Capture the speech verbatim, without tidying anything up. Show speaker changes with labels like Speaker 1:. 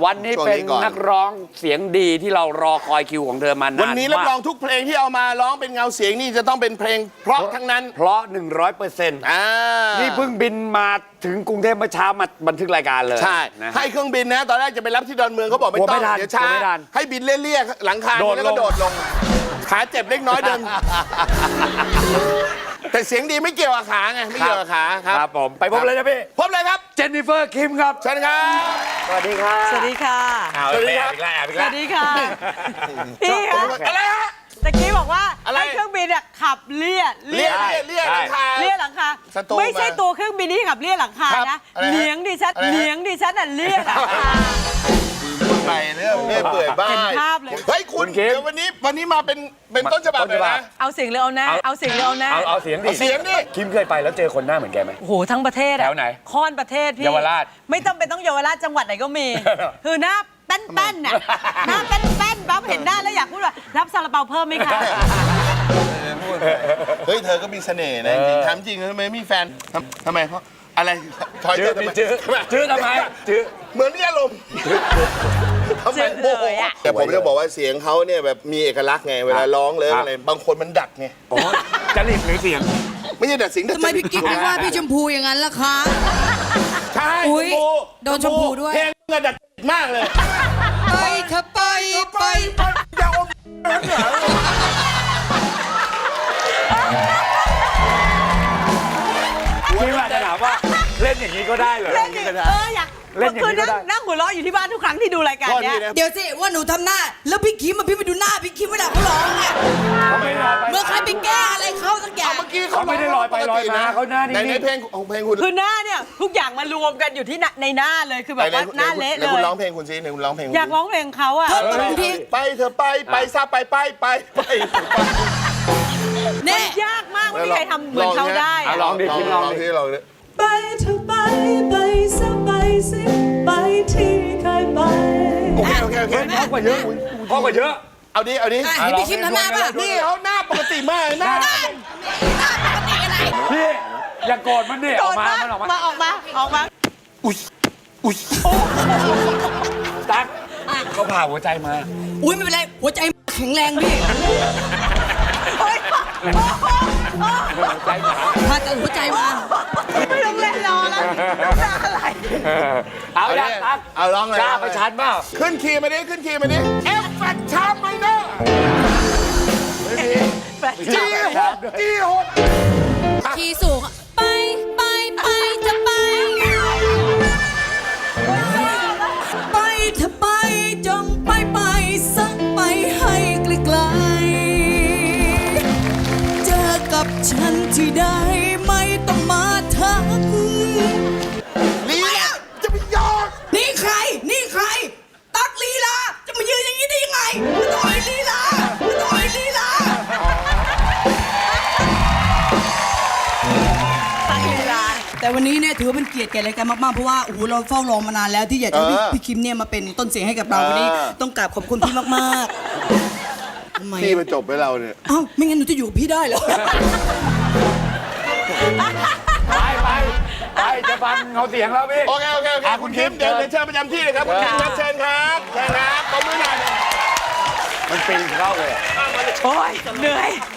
Speaker 1: วันนี้เป็นนักร้องเสียงดีที่เรารอคอยคิวของเธอมานานมาก
Speaker 2: วันนี้รับรองทุกเพลงที่เอามาร้องเป็นเงาเสียงนี่จะต้องเป็นเพลงเพราะทั้งนั้น
Speaker 1: เพราะ หนึ่งร้อยเปอร์เซ็นต์
Speaker 2: อ่า
Speaker 1: นี่เพิ่งบินมาถึงกรุงเทพเมื่อเช้ามาบันทึกรายการเลย
Speaker 2: ใช่
Speaker 1: นะ
Speaker 2: ให้เครื่องบินนะตอนแรกจะไปรับที่ดอนเมืองเขาบอกไม่ต้องเดี๋ยวช้าให้บินเลี่ยๆหลังคาแล้วก็โดดลงขาเจ็บเล็กน้อยเดินแต่เสียงดีไม่เกี่ยวกับขาไงไม่เกี่ยวกับขาครับ
Speaker 1: ครับผมไปพบเลยนะพี่
Speaker 2: พบเลยครับ
Speaker 1: เจนนิเฟอร์คิมครับ
Speaker 2: เชิญครับ
Speaker 1: สวัสดีครับ
Speaker 3: สวัสดีค่ะ
Speaker 1: สวัสดีครับ
Speaker 3: สวัสดีค่ะพี่คะ
Speaker 2: อะไรฮะ
Speaker 3: ตะกี้บอกว่าให้เครื่องบินขับเลี่ย
Speaker 2: เลี่ยเลี่ยหลังคา
Speaker 3: เลี่ยหลังคาไม่ใช่ตัวเครื่องบินที่ขับเลี่ยหลังคานะเลี้ยงดิฉันเลี้ยงดิฉันน่ะเลี่ยหลังคา
Speaker 2: ไปเรื่องเรื่องเปื่อยบ้าเฮ้ยคุณเดี๋ยววันนี้วันนี้มาเป็นเป็นต้นฉบับเลยนะ
Speaker 3: เอาเสียงหรือเอาหน้าเอาเสียงหรือเอาหน้า
Speaker 1: เอาเอาเสียงดิ
Speaker 2: เสียงดิ
Speaker 1: คิมเคยไปแล้วเจอคนหน้าเหมือนแกไหม
Speaker 3: โอ้โหทั้งประเทศ
Speaker 1: แถวไหน
Speaker 3: ค่อนประเทศพี่
Speaker 1: เยาวราช
Speaker 3: ไม่ต้องเป็นต้องเยาวราชจังหวัดไหนก็มีคือหน้าแป้นๆน่ะหน้าแป้นๆปั๊บเห็นหน้าแล้วอยากพูดว่ารับซาลาเปาเพิ่มไหมคะ
Speaker 2: เฮ้ยเธอก็มีเสน่ห์นะจริงถามจริงทำไมมีแฟนทำไมเพราะอะไร
Speaker 1: ถอยเจอทำไมจื้อทำไมจื้อ
Speaker 2: เหมือนนี่อารมณ์ทำไมโมโหแต่ผมจะบอกว่าเสียงเขาเนี่ยแบบมีเอกลักษณ์ไงเวลาร้องเลยอะไรบางคนมันดัดไง
Speaker 1: อ๋อจริตหรือเสียง
Speaker 2: ไม่ใช่ดัดเสียง
Speaker 4: ทำไมพี่กิ๊กไม่ว่าพี่ชมพูอย่างนั้นล่ะคะ
Speaker 2: ใช่ชมพู
Speaker 4: โดนชมพูด้วย
Speaker 2: เพลงเงินดัดมากเลย
Speaker 4: ไปเธอไปไป
Speaker 2: อย่าอมเหรอ
Speaker 1: คิดว่าจะถามว่าเล่นอย่างนี้ก็ได้เหรอ
Speaker 3: เล่นอย่างนี้เอออยากเล่นอย่างนี้ก็ได้นั่งหัวเราะอยู่ที่บ้านทุกครั้งที่ดูรายการเนี้ย
Speaker 4: เดี๋ยวสิว่าหนูทำหน้าแล้วพี่คิมมาพี่ไปดูหน้าพี่คิมเวลาเขาร้องเนี่ยเมื่อใครไปแก้อะไรเขาสักอย่าง
Speaker 2: เมื่อกี้
Speaker 1: เขาไม่ได้ลอยไปลอยมาเขาหน้านี่
Speaker 2: ในเพลงของเพลงคุณ
Speaker 3: คือหน้าเนี่ยทุกอย่างมารวมกันอยู่ที่ในหน้าเลยคือแบบว่าหน้าเละเลย
Speaker 2: คุณร้องเพลงคุณซิในคุณร้องเพลง
Speaker 3: อยากร้องเพลงเขาอะ
Speaker 2: ไปเธอไปไปซาไปไปไปไป
Speaker 3: เนี่ยยากมากไม่มีใครทำเหมือนเขาได้
Speaker 1: ลองดิคิมลองดิลองดิ
Speaker 5: ไปเธอไปไปซะไปสิไปที่เคยไป
Speaker 2: โอเคโอเคโอเค
Speaker 1: เพราะกว่าเยอะเพราะกว่าเยอะ
Speaker 2: เอาดิเอาดิ
Speaker 4: ให้พี่คิมทำหน้าป่ะ
Speaker 2: นี่เขาหน้าปกติมากหน้า
Speaker 4: หน้าปกติอะไร
Speaker 1: พี่อย่าโกรธมันดิออกมามันออก
Speaker 3: มาออกมาออกมา
Speaker 2: อุ้ยอุ้ย
Speaker 1: ตั๊กเขาผ่าหัวใจมา
Speaker 4: อุ้ยไม่เป็นไรหัวใจแข็งแรงพี่ถ้าเกิดหัวใจมา
Speaker 3: ไม่ต้องเล่นรอแล้วอะไร
Speaker 1: เอาอย่างตั๊ก
Speaker 2: เอาร้องเลย
Speaker 1: กล้าไปชัดเปล่า
Speaker 2: ขึ้นคีย์มาดิขึ้นคีย์มาดิเอฟแฟกชาร์มไมเนอร์จีหกจีหก
Speaker 4: คีย์สูงไปไปไปจะไปไปเธอไปจงไปไปสักไปให้ไกลๆเจอกับฉันที่ได้ไม่ต้องมาทัก
Speaker 2: ลีลาจะไปยอก
Speaker 4: นี่ใครนี่ใครตักลีลาจะมายืนอย่างนี้ได้ยังไงไม่ต้องมีลีลาไม่ต้องมีลีลาแต่วันนี้เนี่ยถือว่าเป็นเกียรติแก่รายการมากๆเพราะว่าโอ้โหเราเฝ้ารอมานานแล้วที่อยากจะให้พี่คิมเนี่ยมาเป็นต้นเสียงให้กับเราวันนี้ต้องกราบขอบคุณพี่มากๆทำไม
Speaker 2: พี่มาจบให้เราเนี่ย
Speaker 4: อ้าวไม่งั้นหนูจะอยู่กับพี่ได้เหรอ
Speaker 1: ไปไปไปจะฟังเงาเสียงแล้วพี่
Speaker 2: โอเคโอเคโอเคคุณคิมเดี๋ยวเชิญประจำที่เลยครับคุณคิมครับเชิญครับเชิญครับขอบคุณหน่อย
Speaker 1: มันปีนเข้าเลย
Speaker 3: โอ้ยเหนื่อย